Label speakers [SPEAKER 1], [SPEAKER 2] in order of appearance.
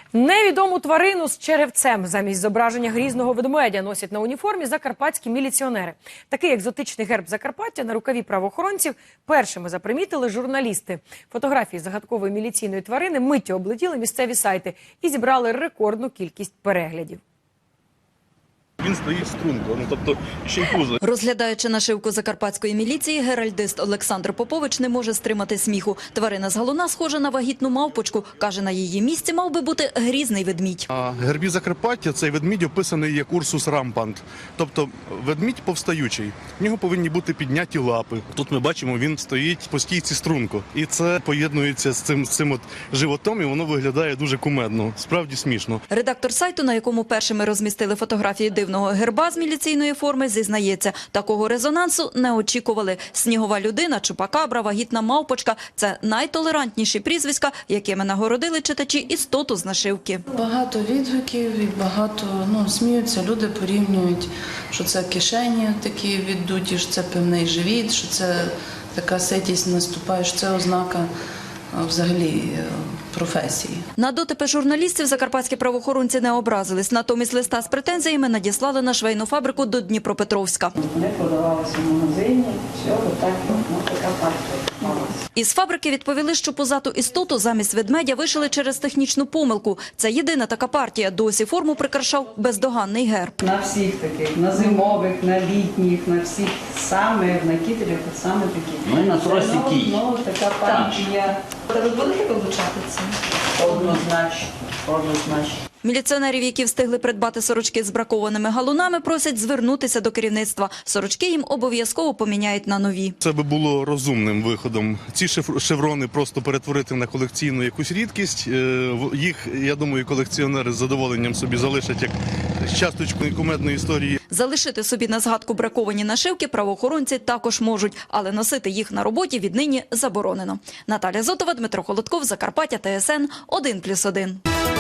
[SPEAKER 1] Невідому тварину з черевцем замість зображення грізного ведмедя носять на уніформі закарпатські міліціонери. Такий екзотичний герб Закарпаття на рукаві правоохоронців першими запримітили журналісти. Фотографії загадкової міліційної тварини миттю облетіли місцеві сайти і зібрали рекордну кількість переглядів.
[SPEAKER 2] Він стоїть струнко, тобто ще й пузо.
[SPEAKER 3] Розглядаючи нашивку закарпатської міліції, геральдист Олександр Попович не може стримати сміху. Тварина з галуна схожа на вагітну мавпочку. Каже, на її місці мав би бути грізний ведмідь.
[SPEAKER 2] А гербі Закарпаття цей ведмідь описаний як Урсус рампант, тобто ведмідь повстаючий. В нього повинні бути підняті лапи. Тут ми бачимо, він стоїть по стійці струнко. І це поєднується з цим от животом, і воно виглядає дуже кумедно, справді смішно.
[SPEAKER 3] Редактор сайту, на якому першими розмістили фотографії дивного герба з міліційної форми, зізнається, такого резонансу не очікували. Снігова людина, чупакабра, вагітна мавпочка – це найтолерантніші прізвиська, якими нагородили читачі істоту з нашивки.
[SPEAKER 4] Багато відгуків і багато сміються, люди порівнюють, що це кишені такі віддуті, що це певний живіт, що це така ситість наступає, що це ознака взагалі професії.
[SPEAKER 3] На дотипи журналістів закарпатські правоохоронці не образились. Натомість листа з претензіями надіслали на швейну фабрику до Дніпропетровська.
[SPEAKER 5] Вони продавалися в магазині, все, отак, така партія.
[SPEAKER 3] Із фабрики відповіли, що позату істоту замість ведмедя вишили через технічну помилку. Це єдина така партія. Досі форму прикрашав бездоганний герб.
[SPEAKER 5] На всіх таких, на зимових, на літніх, на всіх, саме на кітелях, саме такі.
[SPEAKER 6] Ну і на тросі кій.
[SPEAKER 5] Ну, така партія.
[SPEAKER 3] Та ви будете вилучати це?
[SPEAKER 5] Однозначно, однозначно.
[SPEAKER 3] Міліціонерів, які встигли придбати сорочки з бракованими галунами, просять звернутися до керівництва. Сорочки їм обов'язково поміняють на нові.
[SPEAKER 2] Це би було розумним виходом. Ці шеврони просто перетворити на колекційну якусь рідкість. Їх, я думаю, колекціонери з задоволенням собі залишать як часточку кумедної історії.
[SPEAKER 3] Залишити собі на згадку браковані нашивки правоохоронці також можуть, але носити їх на роботі віднині заборонено. Наталя Зотова, Дмитро Холодков, Закарпаття, ТСН 1+1.